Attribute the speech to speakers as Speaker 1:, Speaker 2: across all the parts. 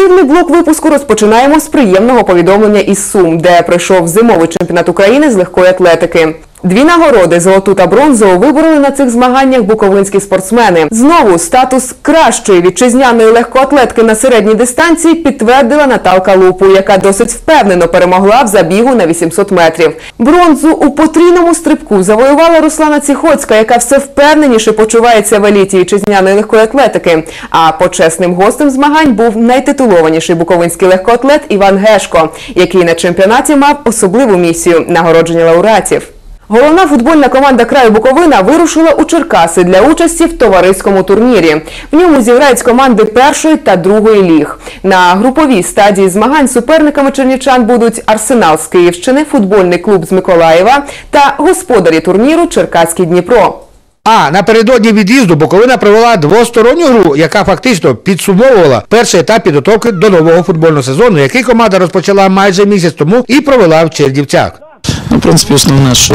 Speaker 1: Спортивний блок випуску розпочинаємо з приємного повідомлення із Сум, де пройшов зимовий чемпіонат України з легкої атлетики. 2 нагороди – золоту та бронзову – вибороли на цих змаганнях буковинські спортсмени. Знову статус кращої вітчизняної легкоатлетки на середній дистанції підтвердила Наталка Лупу, яка досить впевнено перемогла в забігу на 800 метрів. Бронзу у потрійному стрибку завоювала Руслана Ціхоцька, яка все впевненіше почувається в еліті вітчизняної легкої атлетики. А почесним гостем змагань був найтитулованіший буковинський легкоатлет Іван Гешко, який на чемпіонаті мав особливу місію – нагородження лауреатів. Головна футбольна команда краю Буковина вирушила у Черкаси для участі в товариському турнірі. В ньому зіграють команди першої та другої ліг. На груповій стадії змагань суперниками чернівчан будуть Арсенал з Київщини, футбольний клуб з Миколаєва та господарі турніру Черкаський Дніпро.
Speaker 2: А напередодні від'їзду Буковина провела двосторонню гру, яка фактично підсумовувала перший етап підготовки до нового футбольного сезону, який команда розпочала майже місяць тому і провела в Чернівцях.
Speaker 3: В принципі, основне, що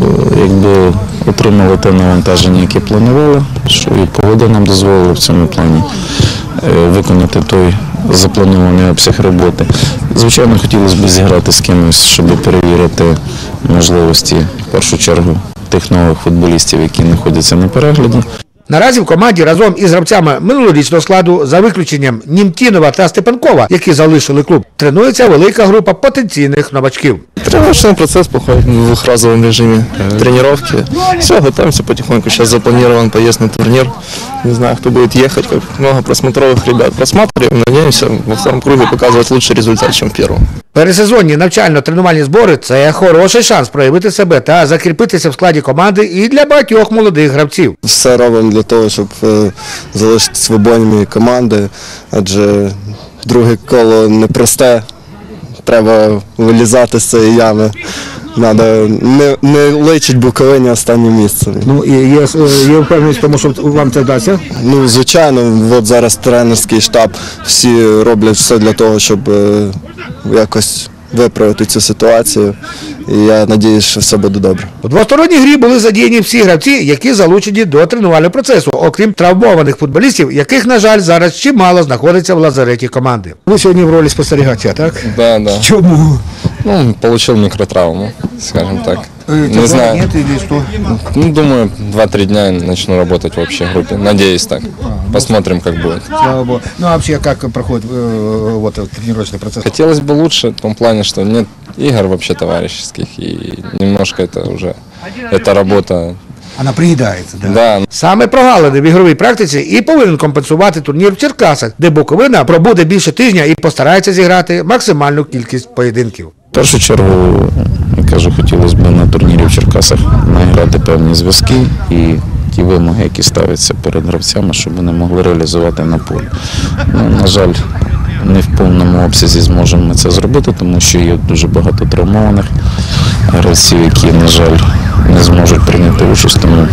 Speaker 3: отримали те навантаження, яке планували, що і погода нам дозволила в цьому плані виконати той запланований обсяг роботи. Звичайно, хотілося б зіграти з кимось, щоб перевірити можливості, в першу чергу, тих нових футболістів, які знаходяться на перегляді.
Speaker 2: Наразі в команді разом із гравцями минулорічного складу, за виключенням Німтінова та Степанкова, які залишили клуб, тренується велика група потенційних новачків.
Speaker 4: Тренировочный процесс проходит в двухразовом режиме тренировки. Все, готовимся потихоньку. Сейчас запланирован поезд на турнир. Не знаю, кто будет ехать, как много просмотровых ребят. Просматриваем, надеемся во втором круге показывать лучший результат, чем в первом.
Speaker 2: Пересезонні навчально-тренувальні збори – це хороший шанс проявити себе та закріпитися в складі команди і для багатьох молодих гравців.
Speaker 4: Все робимо для того, щоб залишитися в обоймі команди, адже друге коло непросте. Треба вилізати з цієї ями. Не личить Буковині останнє місце.
Speaker 2: Ну, і є впевненість в тому, що вам це вдасться?
Speaker 4: Ну, звичайно, от зараз тренерський штаб, всі роблять все для того, щоб якось виправити цю ситуацію. І я сподіваюся, що все буде добре.
Speaker 2: У двосторонній грі були задіяні всі гравці, які залучені до тренувального процесу, окрім травмованих футболістів, яких, на жаль, зараз чимало знаходиться в лазареті команди. Ви сьогодні в ролі спостерігача, так?
Speaker 5: Да, да.
Speaker 2: Чому?
Speaker 5: Ну, получил микротравму, скажем так. Не знаю.
Speaker 2: Нет или что?
Speaker 5: Ну, думаю, 2-3 дня начну работать в общей группе. Надеюсь так. Посмотрим, как будет.
Speaker 2: Слава Богу. Ну, а вообще, как проходит тренировочный процесс?
Speaker 5: Хотелось бы лучше, в том плане, что нет игр вообще товарищеских. И немножко это уже, эта работа...
Speaker 2: Вона приїдається, так?
Speaker 5: Да.
Speaker 2: Саме прогалини в ігровій практиці і повинен компенсувати турнір в Черкасах, де Буковина пробуде більше тижня і постарається зіграти максимальну кількість поєдинків.
Speaker 3: В першу чергу, я кажу, хотілося б на турнірі в Черкасах награти певні зв'язки і ті вимоги, які ставляться перед гравцями, щоб вони могли реалізувати на полі. Ну, на жаль, не в повному обсязі зможемо ми це зробити, тому що є дуже багато травмованих гравців, які, на жаль, не зможуть прийняти участь, тому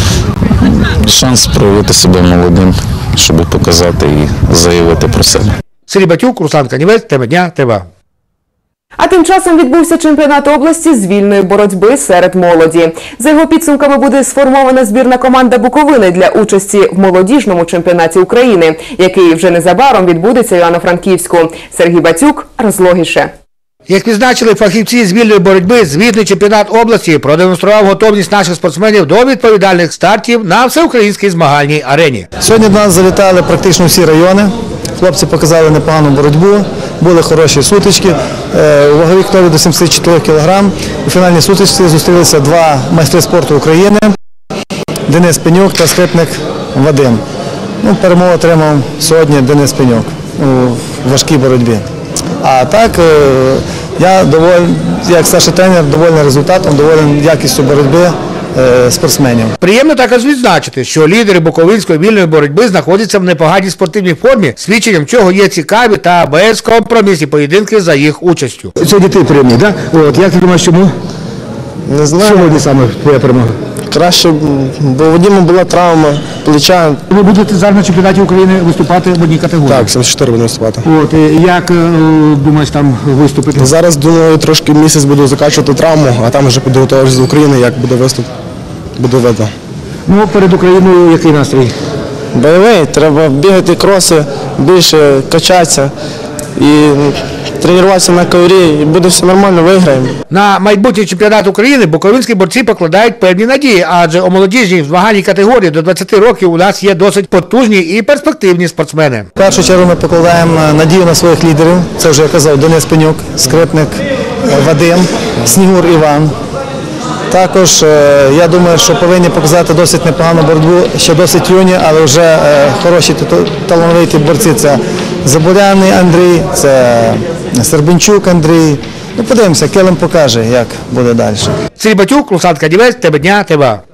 Speaker 3: шанс проявити себе молодим, щоб показати і заявити про себе.
Speaker 2: Сергій Батюк, Руслан Канівець, тема дня, ТВА.
Speaker 1: А тим часом відбувся чемпіонат області з вільної боротьби серед молоді. За його підсумками буде сформована збірна команда Буковини для участі в молодіжному чемпіонаті України, який вже незабаром відбудеться в Івано-Франківську. Сергій Батюк розлогіше.
Speaker 2: Як відзначили фахівці з вільної боротьби, звітний чемпіонат області продемонстрував готовність наших спортсменів до відповідальних стартів на всеукраїнській змагальній арені.
Speaker 6: Сьогодні до нас завітали практично всі райони. Хлопці показали непогану боротьбу, були хороші сутички. У ваговій категорії до 74 кг. У фінальній сутичці зустрілися 2 майстри спорту України – Денис Пенюк та скрипник Вадим. Перемогу отримав сьогодні Денис Пенюк у важкій боротьбі. А так, я як старший тренер довольний результатом, довольний якістю боротьби спортсменів.
Speaker 2: Приємно також відзначити, що лідери буковинської вільної боротьби знаходяться в непоганій спортивній формі, свідченням чого є цікаві та безкомпромісні поєдинки за їх участю. Сьогодні ти переміг, так? Як ти думаєш, чому?
Speaker 4: Не знаю.
Speaker 2: Сьогодні саме твоя перемога?
Speaker 4: Краще, бо в Вадима була травма плеча.
Speaker 2: Ви будете зараз на чемпіонаті України виступати в одній категорії?
Speaker 4: Так, 74 буду виступати.
Speaker 2: Як думаєш там виступити?
Speaker 4: Зараз, думаю, трошки місяць буду закачувати травму, а там вже підготовлюсь з України, як буде виступ, буде видно.
Speaker 2: Ну, перед Україною який настрій?
Speaker 4: Бойовий, треба бігати кроси, більше качатися.
Speaker 7: і тренуватися на коврі, і буде все нормально, виграємо.
Speaker 2: На майбутній чемпіонат України буковинські борці покладають певні надії, адже у молодіжній змагальній категорії до 20 років у нас є досить потужні і перспективні спортсмени.
Speaker 6: В першу чергу ми покладаємо надію на своїх лідерів. Це вже я казав Денис Пенюк, скрипник Вадим, Снігур Іван. Також я думаю, що повинні показати досить непогану боротьбу, ще досить юні, але вже хороші талановиті борці. Це Забуряний Андрій, це Сербенчук Андрій. Ну, подивимося, Килим покаже, як буде далі.
Speaker 2: Сергій Батюк, Руслан Кадівець, ТБ Дня, ТБА.